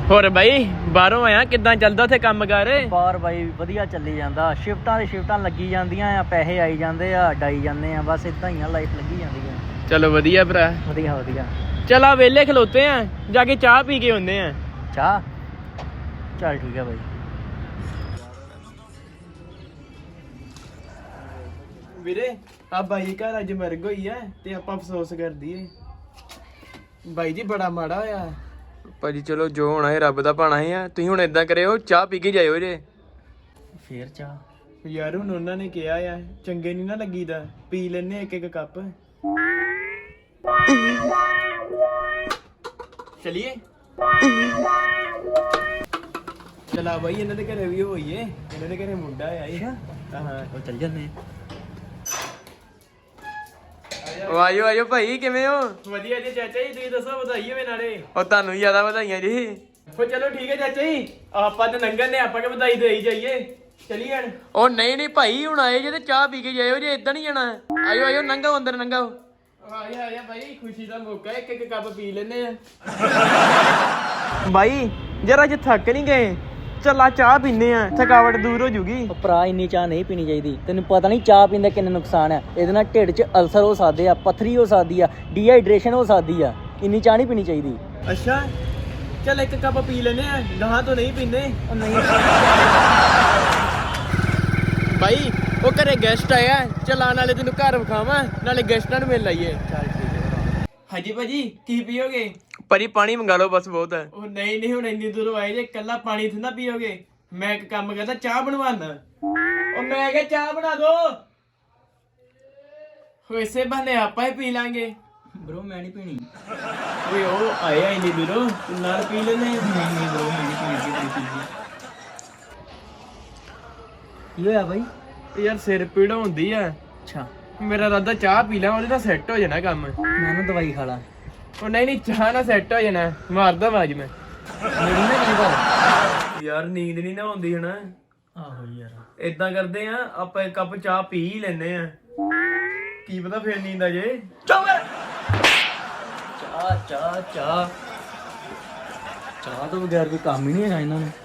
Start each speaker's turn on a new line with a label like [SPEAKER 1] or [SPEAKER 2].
[SPEAKER 1] ਹੋਰ ਬਾਈ ਬਾਹਰੋਂ ਆਇਆ ਕਿੱਦਾਂ ਚੱਲਦਾ ਉੱਥੇ ਕੰਮ ਕਰ?
[SPEAKER 2] ਬਾਹਰ ਬਾਈ ਵਧੀਆ ਚੱਲੀ ਜਾਂਦਾ, ਸ਼ਿਫਟਾਂ ਦੀ ਸ਼ਿਫਟਾਂ ਲੱਗੀ ਜਾਂਦੀਆਂ ਆ, ਪੈਸੇ ਆਈ ਜਾਂਦੇ ਆ, ਡਾਈ ਜਾਂਦੇ ਆ, ਬਸ ਇਦਾਂ ਹੀ ਆ, ਲਾਈਫ ਲੱਗੀ ਜਾਂਦੀ ਆ।
[SPEAKER 1] ਚਲੋ ਵਧੀਆ ਭਰਾ।
[SPEAKER 2] ਵਧੀਆ ਵਧੀਆ।
[SPEAKER 1] ਚਲ ਆ ਵੇਲੇ ਖਲੋਤੇ ਆ, ਜਾ ਕੇ ਚਾਹ ਪੀ ਕੇ ਆਉਂਦੇ ਆ।
[SPEAKER 2] ਚਾਹ? ਚੱਲ ਠੀਕ ਆ ਬਾਈ।
[SPEAKER 1] ਵੀਰੇ ਆ ਬਾਈ ਘਰ ਅੱਜ ਮਰਗ ਹੋਈ ਐ ਤੇ ਆਪਾਂ ਅਫਸੋਸ ਕਰਦੀ ਏ। ਬਾਈ ਜੀ ਬੜਾ ਮਾੜਾ ਹੋਇਆ ਭਾਜੀ। ਚਲੋ ਜੋ ਹੋਣਾ ਹੈ ਰੱਬ ਦਾ ਭਾਣਾ ਹੀ ਆ। ਤੁਸੀਂ ਹੁਣ ਏਦਾਂ ਕਰਿਓ, ਚਾਹ ਪੀ ਕੇ ਜਾਇਓ ਜੇ।
[SPEAKER 2] ਫੇਰ ਚਾਹ?
[SPEAKER 1] ਯਾਰ ਹੁਣ ਉਹਨਾਂ ਨੇ ਕਿਹਾ ਆ, ਚੰਗੇ ਨਹੀਂ ਨਾ ਲੱਗੀਦਾ, ਪੀ ਲੈਨੇ ਇੱਕ ਇੱਕ ਕੱਪ। ਚਲਿਏ ਚਲਾ ਬਾਈ, ਇਹਨਾਂ ਦੇ ਘਰੇ ਵੀ ਹੋਈਏ, ਇਹਨਾਂ ਦੇ ਘਰੇ ਮੁੰਡਾ ਆਇਆ ਹੀ। ਹਾਂ
[SPEAKER 2] ਉਹ ਚੱਲ ਜੰਨੇ।
[SPEAKER 1] ਆਇਓ ਆਇਓ ਭਾਈ, ਕਿਵੇਂ ਹੋ? ਵਧੀਆ ਜੀ ਚਾਚਾ ਜੀ, ਤੁਸੀਂ ਦੱਸੋ, ਵਧਾਈ ਹੋਵੇ ਨਾਲੇ। ਉਹ ਤੁਹਾਨੂੰ ਜ਼ਿਆਦਾ ਵਧਾਈਆਂ ਜੀ। ਹੋ ਚਲੋ ਠੀਕ ਹੈ ਚਾਚਾ ਜੀ, ਆਪਾਂ ਤੇ ਲੰਘਣ ਨੇ, ਆਪਾਂ ਕਿ ਵਧਾਈ ਦੇਈ ਜਾਈਏ। ਚਲੀਏ ਹਣ। ਉਹ ਨਹੀਂ ਨਹੀਂ ਭਾਈ, ਹੁਣ ਆਏ ਜੇ ਤੇ ਚਾਹ ਪੀ ਕੇ ਜਾਇਓ ਜੇ, ਏਦਾਂ ਨਹੀਂ ਜਾਣਾ। ਆਇਓ ਆਇਓ, ਲੰਘੋ ਅੰਦਰ ਲੰਘੋ। ਆਇਆ ਆਇਆ ਭਾਈ, ਖੁਸ਼ੀ ਦਾ ਮੌਕਾ, ਇੱਕ ਇੱਕ ਕੱਪ ਪੀ ਲੈਨੇ ਆ। ਬਾਈ ਜਰਾ ਅੱਜ ਥੱਕ ਨਹੀਂ ਗਏ, ਚੱਲਾ ਚਾਹ ਪੀਨੇ ਆ, ਥਕਾਵਟ ਦੂਰ ਹੋ ਜੂਗੀ।
[SPEAKER 2] ਭਰਾ ਇੰਨੀ ਚਾਹ ਨਹੀਂ ਪੀਣੀ ਚਾਹੀਦੀ, ਤੈਨੂੰ ਪਤਾ ਨਹੀਂ ਚਾਹ ਪੀਣ ਦਾ ਕਿੰਨਾ ਨੁਕਸਾਨ ਹੈ। ਇਹਦੇ ਨਾਲ ਢਿੱਡ 'ਚ ਅਲਸਰ ਹੋ ਸਕਦੇ ਆ, ਪੱਥਰੀ ਹੋ ਸਕਦੀ ਆ, ਡੀਹਾਈਡਰੇਸ਼ਨ ਹੋ ਸਕਦੀ ਆ। ਇੰਨੀ ਚਾਹ ਨਹੀਂ ਪੀਣੀ ਚਾਹੀਦੀ।
[SPEAKER 1] ਅੱਛਾ ਚੱਲ ਇੱਕ ਕੱਪ ਪੀ ਲੈਨੇ ਆ, ਗਾਹਾਂ ਤੋਂ ਨਹੀਂ ਪੀਂਦੇ।
[SPEAKER 2] ਉਹ ਨਹੀਂ
[SPEAKER 1] ਬਾਈ ਉਹ ਘਰੇ ਗੈਸਟ ਆਇਆ, ਚਲਾ ਨਾਲੇ ਤੈਨੂੰ ਘਰ ਵਿਖਾਵਾਂ, ਨਾਲੇ ਗੈਸਟਾਂ ਨੂੰ ਮਿਲ ਲਾਈਏ।
[SPEAKER 2] ਚੱਲ ਠੀਕ ਹੈ।
[SPEAKER 1] ਹਾਂਜੀ ਭਾਜੀ, ਕੀ ਪੀਓਗੇ? ਭਾਜੀ ਪਾਣੀ ਮੰਗਾ ਲਓ ਬਸ, ਬਹੁਤ ਹੈ। ਉਹ ਨਹੀਂ ਨਹੀਂ, ਹੁਣ ਇੰਨੀ ਦੂਰੋਂ ਆਏ ਜੇ, ਇਕੱਲਾ ਪਾਣੀ ਥੋੜਾ ਪੀਓਗੇ। ਮੈਂ ਇੱਕ ਕੰਮ ਕਰਦਾ, ਚਾਹ ਬਣਵਾਣਾ। ਉਹ ਮੈਂ ਕਿਹਾ ਚਾਹ ਬਣਾ ਦੋ। ਇਸੇ ਬਹਾਨੇ ਆਪਾਂ ਹੀ ਪੀ ਲਾਂਗੇ।
[SPEAKER 2] ਬ్రో ਮੈਂ ਨਹੀਂ ਪੀਣੀ।
[SPEAKER 1] ਓਏ ਉਹ ਆਇਆ ਇੰਨੀ ਦੂਰੋਂ, ਤੂੰ ਨਾਲ ਪੀ ਲੈਨੇ।
[SPEAKER 2] ਨਹੀਂ ਨਹੀਂ ਬ్రో, ਮੈਂ ਨਹੀਂ ਪੀਣੀ। ਕੀ ਹੋਇਆ ਬਾਈ?
[SPEAKER 1] ਯਾਰ ਸਿਰ ਪੀੜ ਹੁੰਦੀ ਆ।
[SPEAKER 2] ਅੱਛਾ,
[SPEAKER 1] ਮੇਰਾ ਇਰਾਦਾ ਚਾਹ ਪੀ ਲਾਂ, ਉਹਦੇ ਨਾਲ ਸੈੱਟ ਹੋ ਜਾਣਾ ਕੰਮ।
[SPEAKER 2] ਮੈਂ ਨਾ ਦਵਾਈ ਖਾ ਲਾਂ।
[SPEAKER 1] ਉਹ ਨਹੀਂ ਨਹੀਂ, ਚਾਹ ਨਾਲ ਸੈੱਟ ਹੋ ਜਾਣਾ, ਮਾਰਦਾ ਆਵਾਜ਼ ਮੈਂ।
[SPEAKER 2] ਮੇਰੀ ਨਾ ਕੀ ਕਰ
[SPEAKER 1] ਯਾਰ ਨੀਂਦ ਨਹੀਂ ਨਾ ਆਉਂਦੀ ਹੁਣ।
[SPEAKER 2] ਆਹੋ ਯਾਰ,
[SPEAKER 1] ਏਦਾਂ ਕਰਦੇ ਆ, ਆਪਾਂ ਇੱਕ ਕੱਪ ਚਾਹ ਪੀ ਹੀ ਲੈਨੇ ਆ, ਕੀ ਪਤਾ ਫੇਰ ਨੀਂਦ ਆ ਜੇ।
[SPEAKER 2] ਚਾਹ ਚਾਹ ਚਾਹ ਚਾਹ ਤੋਂ ਬਗੈਰ ਕੋਈ ਕੰਮ ਹੀ ਨਹੀਂ ਹੈਗਾ ਇਹਨਾਂ ਨੂੰ।